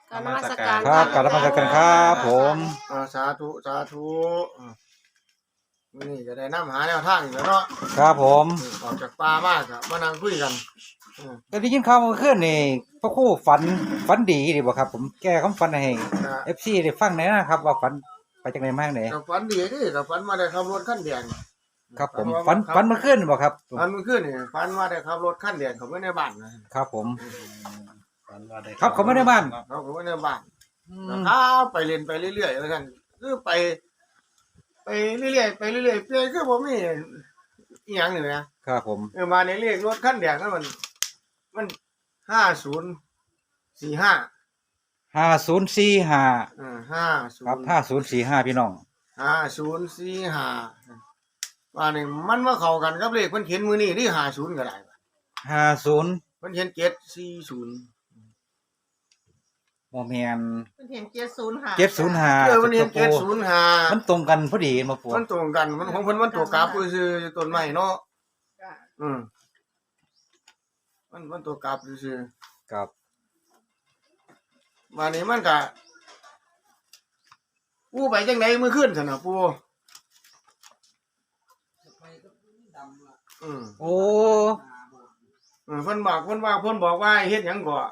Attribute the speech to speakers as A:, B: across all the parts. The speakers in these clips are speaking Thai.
A: กรารนมัสการ
B: ครับกราบนมัสการครับผม
C: สาธุสาธุมื้อนี้จะได้นำหาแนวทางอีกแล้วเนาะ
B: ครับผม
C: ออกจากป่ามากอะมานั่งคุยกันอืม
B: ก็ได้ยินข่าวเมื่อคืนนี่พระครู่ฝันดีดีบ่ครับ ผมแก้คำฝันให้
C: ก็
B: FC ได้ฟังหน่อยนะครับ ว่าฝันไปจากไหนมาจากไหน
C: ก็ฝันดีดิก็ฝันมาได้ขับรถคันแดง
B: ครับผมฝันเมื่อคืนบ่ครับ
C: ฝันเมื่อคืนนี่ฝันว่าได้ขับรถคันแดงเข้าไปในบ้านนะครับ
B: ผม
A: ฝันว่าได้
B: ครับเขาไม่ได้บ้าน
C: เขาเข้าไปในบ้าน
B: อื
C: ก็
B: ม
C: ขับไปเล่นไปเรื่อยๆว่าซั่นคือไปเรื่อยๆไปเรื่อยๆเปคือบ่มีอีหยังนี่นะครับ
B: ผม
C: มาในเลขรถคันแดงนั้นมัน5045
B: 5045
C: 50
B: ครับ5045พี่น้อง
C: 5045ว่านี่มันมาเข้ากันกับเลขเพิ่นเขียนมื้อนี้ที่50ก็ได้
B: 50
C: เพิ่นเขียน740
B: บ่แม่น
A: เพิ่นเห็น705
B: 705
C: เพิ่นเขียน705
B: มันตรงกันพอดีมาปู
C: มันตรงกันมันของเพิ่นมันตัวกราฟซื่อๆต้นไม้เนาะ
A: จ้ะ
C: อืมมันตัวกราฟซื่อ
B: ครับ
C: ๆว่านี่มันก็ปูไปจังได๋มื้อคืนซั่นน่ะปูอืม
B: โอ้
C: เพิ่นบอกว่าให้เฮ็ดหยังก่อ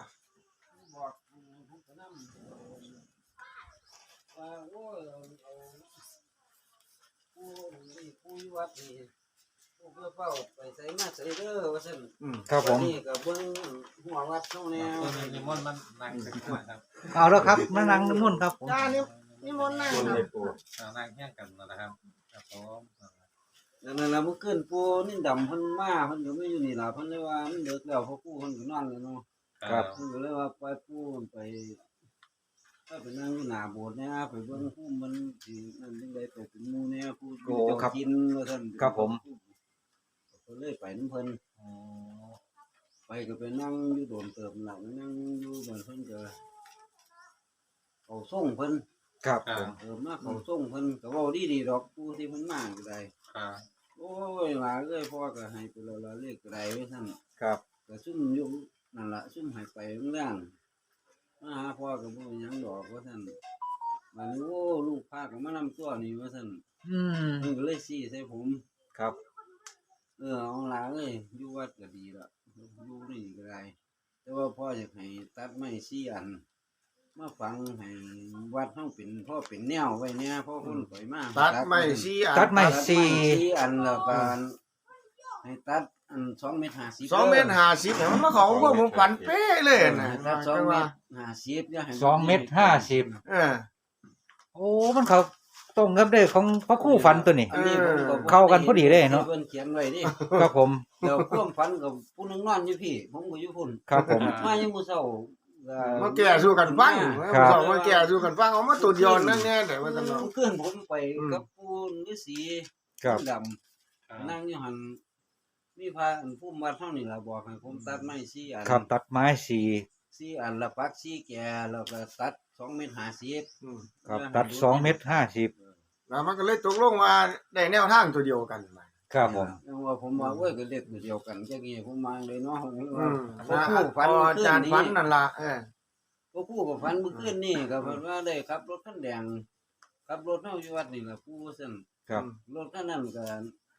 D: ผู้วัดนี่ผู้เพื่อเฝ้าไปใส่มาใส่เด้อว่าซั่น
C: อืม
B: ครับผม
D: นี่ก็เบิ่งหัววัดเฮาแนว
E: นิมนต์มันนั่งเป็นหัวครับ
B: เอาแล้วครับมานั่งนิมนต์ครับผม
A: จ้านิมนต์นั่งเนาะ
E: นั่งแย่งกันนะครับครับผม
D: นั่นล่ะมื้อคืนปู่นิ่ดำเพิ่นมาเพิ่นก็ไม่อยู่นี่ล่ะเพิ่นเลยว่ามันดึกแล้วเพราะปู่เพิ่นก็นอนแล้วเนาะ
B: ครับ
D: เพิ่นก็เลยว่าปล่อยปู่ไปนั่งอยู่หน้าโบสถ์เนี่ยไปเบิ่งภูมิมันสินั่นจังได๋ไปเป็นหมู่แน่ผู้
B: โอ้ครับ
D: กินว่าซั่น
B: ครับผม
D: ก็เลยไปนำเพิ่น
B: อ๋อ
D: ไปก็ไปนั่งอยู่โดนเติมหลังนั่งอยู่เหมือนเพิ่นก็เขาส่งเพิ่น
B: ครับผม
D: มาเขาส่งเพิ่นก็เว้าดีๆดอกผู้ที่เพิ่นมาก็ได้
E: ครับ
D: โอ้ยหลาเอ้ยพ่อก็ให้ไปแล้วละเลขก็ได้ไว้ซั่น
B: ครับ
D: ก็ซุ่มอยู่นั่นล่ะซุ่มให้ไปเรื่องมาหาพ่อก็บ่มีหยังดอกว่าซั่นบัดนี้โอ้ลูกพาก็มานำตัวนี่ว่าซั่น
B: อืม
D: เพิ่นก็เลยชี้ใส่ผม
B: ครับ
D: เอาหลาเอ้ยอยู่วัดก็ดีละอยู่นี่ก็ได้ แต่ว่าพ่ออยากให้ตัดไม้4อัน มาฟังให้วัดเฮาเป็นพ่อเป็นแนวไว้เนี่ยพ่อคนปล่อยมา
C: ตัดไม้4อัน
B: ตัดไม้
D: ตัด 4อันแล้วก็ให้ตัดอัน2.50 เมตร
C: 2เมตร50เนี่ยมันมาเข้ากับผมฝันเป๊ะเลยน่ะ
D: ตัด
C: จัง
D: 2 เม
C: ว่า
D: ตร 50อย่าให้
B: 2.50 เมตร
C: เออ
B: โอ้มันเขาตรงกับเด้อของพระครู่ฝันตัวนี้
D: อันนี้ผมก็บ่
B: เข้ากันพอดีเลยเนาะ
D: เพิ่นเขียนไว้ดิ
B: ครับผม
D: เดี๋ยวความฝันกับผู้หนึงนอนอยู่พี่ผมก็อยู่พุ่น
B: ครับผม
D: มายังมื้อเช้าก็
C: มาแก้สู้กันฟัง
B: ครับ
C: สองมาแก้สู้กันฟังเอามาตัวเดียวนั่นแน่แต่ว่าซั่นเนาะ
D: เพื่อนผมไปกับปู่ฤาษี
B: ครับ
D: ดำ นั่งอยู่หันมีพระอันผู้วัดเท่านี่ล่ะบอกให้ผมตัดไม้4อัน
B: ครับตัดไม้สี่
D: 4อันละปัก4แก่แล้วก็ตัด2.50 เมตร
C: อืม
B: ครับตัด2.50 เมตร
C: แล้วมันก็เลยตกลงว่าได้แนวทางตัวเดียวกันมา
B: ครับผม
D: ยังว่าผมว่าโอ้ยก็เล็กตัวเดียวกันจังงี้ผมมาเลยเนาะผม
C: อื
D: ว่าม พอ
C: นะ
D: คู่ฝัน
C: อาจารย์ฝันนั่นล่ะ
D: พอคู่ก็ฝันเมื่อคืนนี่ก็เพิ่นว่าได้ขับรถคันแดงขับรถเฮาอยู่วัดนี่ล่ะปู่ซั่น
B: ครับ
D: รถคันนั้นก็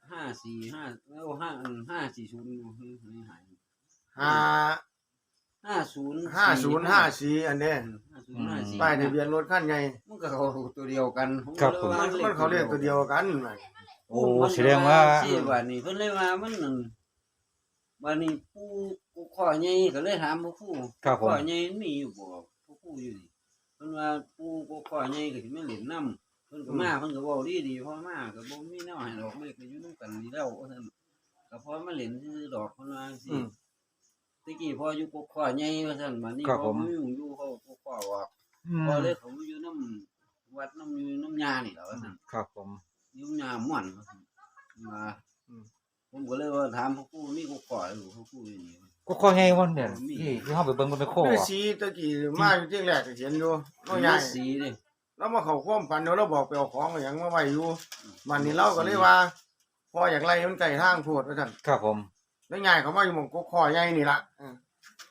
D: 545แล้ว540หาย 50
C: 5054อันนี้
D: 5054
C: ป้ายทะเบียนรถคันใหญ่
D: มันก็เขาตัวเดียวกัน
B: ครับผม
C: มันเขาเรียกตัวเดียวกันมา
B: โอ้แสดงว่า
D: สิว่านี่เพิ่นเลยว่ามันนั่นบัดนี้ผู้ข้อใหญ่ก็เลยถามผู้
B: ครับผม
D: ข้อใหญ่มีอยู่บ่ผู้อยู่นี่เพิ่นว่าผู้ข้อใหญ่ก็สิมาเล่นน้ำเพิ่นก็มาเพิ่นก็เว้าดีๆพอมาก็บ่มีแนวให้ดอกเลยก็อยู่นำกันนี่แล้วว่าซั่นก็พอมาเล่นซื่อๆดอกเพิ่นว่าจังซี่ตะกี้พออยู่ผู้ข้อใหญ่ว่าซั่นบัดนี้
B: ครับ
D: พ
B: ผ
D: อ
B: ม
D: มาอยู่เขาผู้ข้อว่า
B: อืม
D: พอเลยเขาอยู่น้ำวัดน้ำอยู่น้ำยานี่แหละว่าซั่น
B: ครับผม
D: อยู่น้ำยาม่วนว่าซั่นมาผมก็เลยว่าถามพ่อครูนี่กูขอหรือพ่อครูอยู่นี่
B: ก็ข้อให้วันเนี่ยที่เฮาไปเบิ่งมันเป็นโค
C: ฤา
B: อ่ะ
C: ษีตะกี้มาอยู่ที่แรกก็เห็นอยู่น้อยใหญ่
D: สีเด้
C: แล้วมาเข้าความฝันเดี๋ยวเราบอกไปเอาของเอาหยังมาไว้อยู่มันนี่เราก็เลยว่าพออยากไล่มันไกลทางโพดว่าซั่น
B: ครับผม
C: แล้วใหญ่เขามาอยู่หม่องกกคอใหญ่นี่ล่ะ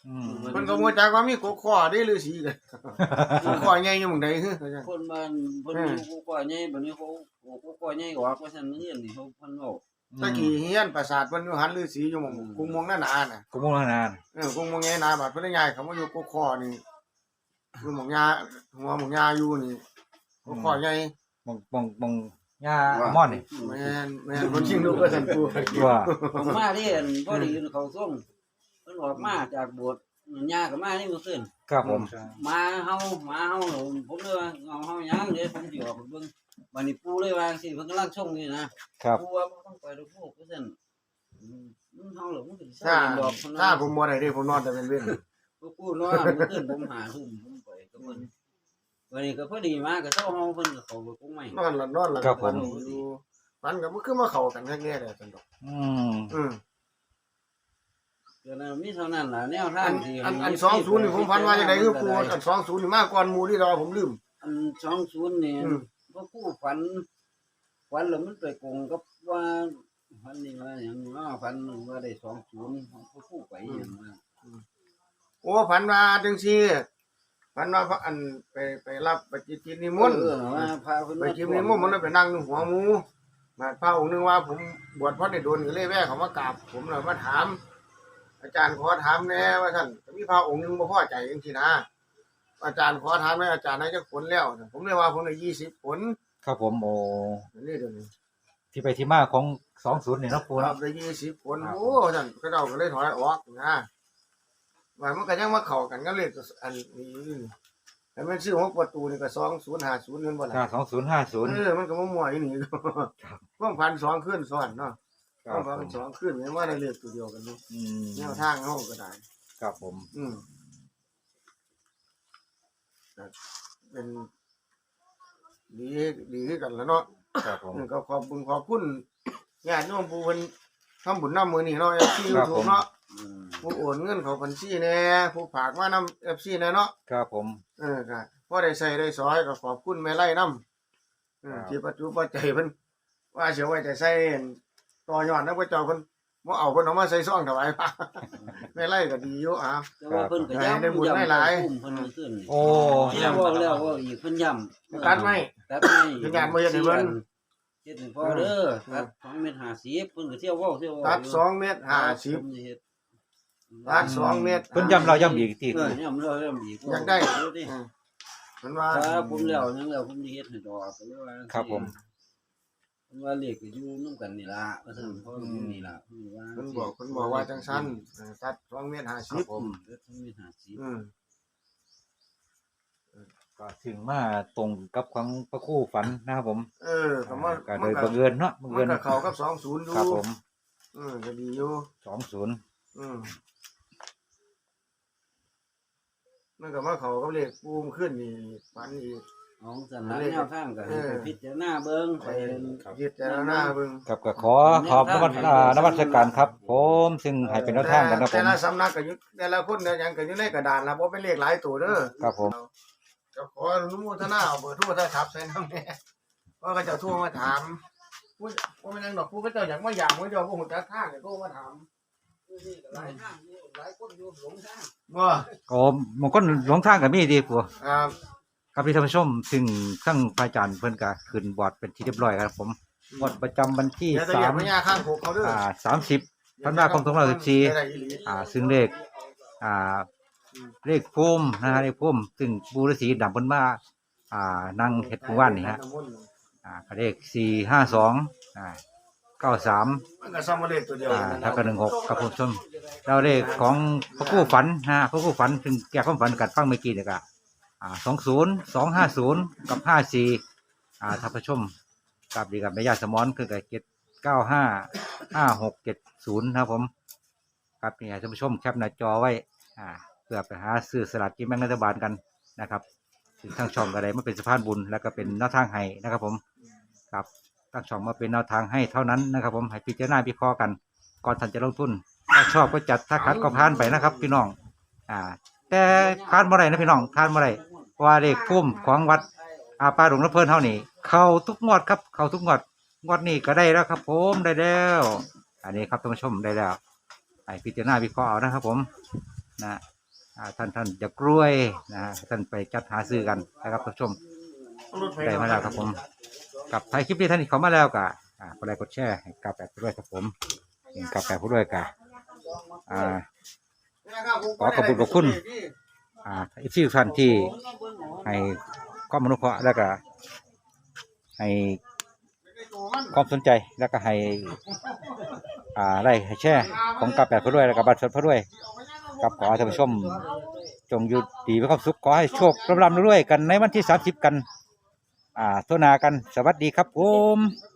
B: อืม
C: เพิ่นก็บ่จักว่ามีกกข้อได้ฤาษีกันกกข้อใหญ่อยู่หม้องใดฮึ
D: คนบ้านเพิ่นอยู่กูก่อใหญ่บัดนี้เขากูก่อใหญ่ออกว่าซั่นเฮียนนี่เขาเพิ่นเว้า
C: ตะกี้เฮียนปราสาทเพิ่นอยู่หันฤาษีอยู่หม้องกรุงเมืองนานาน่ะ
B: กูมุ่งนาน
C: กรุงเมืองนาบัดเพิ่นได้ย้ายเขามาอยู่กกข้อนี่อยู่หม้องยาหัวหม้องยาอยู่นี่กกข้อใหญ่
B: มองย่าม่อนนี่
C: แม่นบ่จริงลูกก็ซั่นกู
B: ว่า
D: ผมมาที่อันพอดีเขาส่งเพิ่นออกมาจากโบสถ์ย่าก็มานี่มื้อคืน
B: ครับผม
D: มาเฮาผมเลยว่าเฮายังเดี๋ยวผมสิออกไปเบิ่งบัดนี้ปู่เลยว่าจังซี่เพิ่นกำลังส่งอยู่นะครับ ปู่ว่าบ่ต้องไปดอกปู่ว่าซั่นเฮาเหรอมันก็สิ
C: ถ้า
D: ดอกเพิ่น
C: ถ้าผมบ่ได้เด้ผมนอนแต่เป็นเว้น
D: ปู่นอนมื้อคืนผมหาทุ่มผมไปกับเพิ่นวันนี้ก็พอดีมาก็เซาเฮาเพิ่นก็เข้าไปกงใหม่
C: นอนหลับฝันอยู่ฝันก็บ่คือมาเข้ากันแท้ๆเลยซั่นดอก
B: อืม
D: เดี๋ยวนั้นมีเท่านั้นล่ะแนวทา
C: อั
D: ง
C: น
D: ที่
C: อัน20นี่ผมฝันว่าจังไดคือปูอัน20นี่มาก่อนหมู่ที่เราผมลืม
D: อัน20นี่
C: อืม
D: พวกผู้ฝันแล้วมันไปกงกับว่าฝันนี่ว่าอย่างว่าฝันว่าได้20พวกผู้ไปอย่างว่า
C: โอ้ฝันว่าจังซี่ฝันว่าพระอันไปรับไปจิตนิมนต์
D: ว่าพาเพิ่น
C: ไปจิตนิมนต์มันเลยไปนั่งอยู่หัวหมู่มาพระองค์นึงว่าผมบวชพระได้โดนก็เลยแวะเขามากราบผมเลยมาถาม อาจารย์ขอถามแน่ว่าท่านมีพระองค์นึงบ่พอใจจังซี่นะอาจารย์ขอถามแม่อาจารย์ให้จักผลแล้วผมเลยว่าผมได้20ผล
B: ครับผมโอ้
C: นี่เดี๋ยวนี้
B: ที่ไปที่มาของ20นี่เนาะปู
C: ครั
B: เนาะ
C: บได้20ผลโอ้ท่านก็เจ้าก็เลยถอยออกนะว่ามันก็ยังมาเข้ากันกับเลขอันนี้แต่มันชื่อของประตูนี่ก็2050เงินบ่ล่ะ
B: 2050
C: มันก็มั่วๆอยู่นี่ความพัน2คืนซ้อนเนาะ
B: ค
C: ค
B: รั
C: วา
B: บ
C: มพัน
B: ผม
C: 2คืนแม้ว่าได้เลขตัวเดียวกันนี่
B: อืม
C: แนวทางเฮาก็ได้
B: ครับผม
C: เป็นดีคือกันแล้วเนาะ
B: ครับผม
C: ก็ขอบคุณญาติโยมผู้เพิ่นทำบุญนำมื้อนี้เนาะ FC
B: ครับผม
C: YouTube เนาะผู้โอนเงินเข้าบัญชีแหน่ผู้ฝากมานำ FC แหน่เนาะ
B: ครับผม
C: ก็พอได้ใช้ได้สอยก็ขอบคุณแม่ไร่นำที่ปัจจุบันใจเพิ่นว่าสิเอาไว้จะใช้ต่อยอดนำพระเจ้าเพิ่นบ่เอาเพิ่นเอามาใส่ซองถวายพระแม่ไร่ก็ดีอยู่อ่ะ
D: แต่ว่าเพิ่นก็ย้ำ
C: ได้บุญได้หลาย
D: เพิ่นขึ้น
B: โอ้
D: แล้วว่าอีกเพิ่นย้ำ
C: ตัดไหม
D: ตัดให้
C: เพิ่นย้ำบ่เฮ็ดให้เพิ่น
D: เฮ็ดให้พอเด้อตัด2เมตร50เพิ่นก็เที่ยวเว้า
C: ตัด2เมตร50ตัด2เมตร
B: เพิ่นย้ำเราย้ำอีกที
D: ย้ำเราย้ำอีก
C: อยากได้
D: ดิ
C: เพิ่นว่า
D: ถ้าผมแล้วยังแล้วผมสิเฮ็ดให้ดอกก็เลยว่า
B: ครับผม
D: เพิ่นว่าเลขก็อยู่นำกันนี่ล่ะว่าซั่นเพราะอยู่นี่ล่ะเพิ่นว่า
C: เพิ่นบอกว่าจังซั่นตัด2เมตร
D: ครับ
C: 50
D: ผม2เมตร50
B: ก็ถึงมาตรงกับของพระครู่ฝันนะครับผม
C: ก็มา
B: ก็โดยบังเอิญเนาะบัง
C: มั
B: เอิ
C: น
B: ญ
C: ก็เข้ากับ20อยู่
B: ครับผม
C: ก็ดีอยู่
B: 20
C: มันก็มาเข้ากับเลขปูมขึ้นนี่ฝันอีก
D: ของสถานแนวทางก็ให้ไปพิจารณาเบิ่งไป
C: ยึดแต่ละหน้าเบิ่ง
B: ครับก็ขอบนมัสการครับ ผมซึ่งให้เป็นแนวทางกันครับผ
C: แต่
B: ม
C: ละสำนักก็อยู่แต่ละคนเนี่ยหยังก็อยู่ในกระดานนะบ่เป็นเลขหลายตัวเด้อ
B: ครับผม
C: ก็ขออนุโมทนาเอาเบอร์โทรศัพท์ใส่นำแน่ว่าเขาเจ้าโทรมาถามผู้ว่ามันยังดอกผู้เขาเจ้าอยากมาอยากผู้เจ้าบ่ฮู้จักทางก็โทรมาถาม
D: หลายทางอยู่หลายคนอยู่หลงทาง
C: บ่
B: ก็บางคนหลงทางก็มีดีปัว
C: ครับ
B: ครับที่ท่านผู้ชมซึ่งทั้งพระอาจารย์เพิ่นก็ขึ้นบอร์ดเป็นที่เรียบร้อยครับผมงวดประจำวันที่
C: เดี๋ยวจะเหยียบพญาข้างโคกเขาเด้อ
B: 30ธันวาคม2564ซึ่งเลขเลขภูมินะฮะเลขภูมิซึ่งบูฤาษีดำเพิ่นมานั่งเฮ็ดผู้ว่านนี่ฮะก็เลข452 93
C: มันก็ซ้ำมาเลขตัวเดียวกัน
B: แล้วก็16ครับผมชมแล้วเลขของพระครู่ฝันนะพระครู่ฝันซึ่งแก้ความฝันกัดฟังเมื่อกี้เนี่ยก็20 250กับ54ท่านผู้ชมกับดีกับแม่ย่าสมอนคือกับ795 5670นะครับผมครับนี่ให้ท่านผู้ชมแคปหน้าจอไว้เพื่อไปหาซื้อสลากกินแบ่งรัฐบาลกันนะครับถึงทางช่องก็ได้มาเป็นสะพานบุญแล้วก็เป็นแนวทางให้นะครับผมครับทางช่องมาเป็นแนวทางให้เท่านั้นนะครับผมให้พิจารณาวิเคราะห์กันก่อนท่านจะลงทุนถ้าชอบก็จัดถ้าขัดก็ผ่านไปนะครับพี่น้องแต่ผ่านเมื่อไรนะพี่น้องผ่านเมื่อไรเพราะว่าเลขพุ่มของวัดป่าหลวงน้ำเพลินเท่านี้เข้าทุกงวดครับเข้าทุกงวดนี้ก็ได้แล้วครับผมได้แล้วอันนี้ครับท่านผู้ชมได้แล้วให้พิจารณาวิเคราะห์เอานะครับผมนะท่านจะกล้วยนะฮะท่านไปจัดหาซื้อกันนะครับท่านผู้ชมได้มาแล้วครับผมกับท้ายคลิปนี้ท่านที่เขามาแล้วก็กดไลค์กดแชร์ให้กับแบบด้วยครับผมกับแบบด้วยกันขอขอบคุณอีกที่ท่านที่ให้ความอนุเคราะห์แล้วก็ให้ความสนใจแล้วก็ให้ไล่ให้แชร์ของกับแบบด้วยแล้วก็บัตรสดพด้วยกับขอท่านผู้ชมจงอยู่ดีมีความสุขขอให้โชคร่ำรวยกันในวันที่30กันโทษนากันสวัสดีครับผม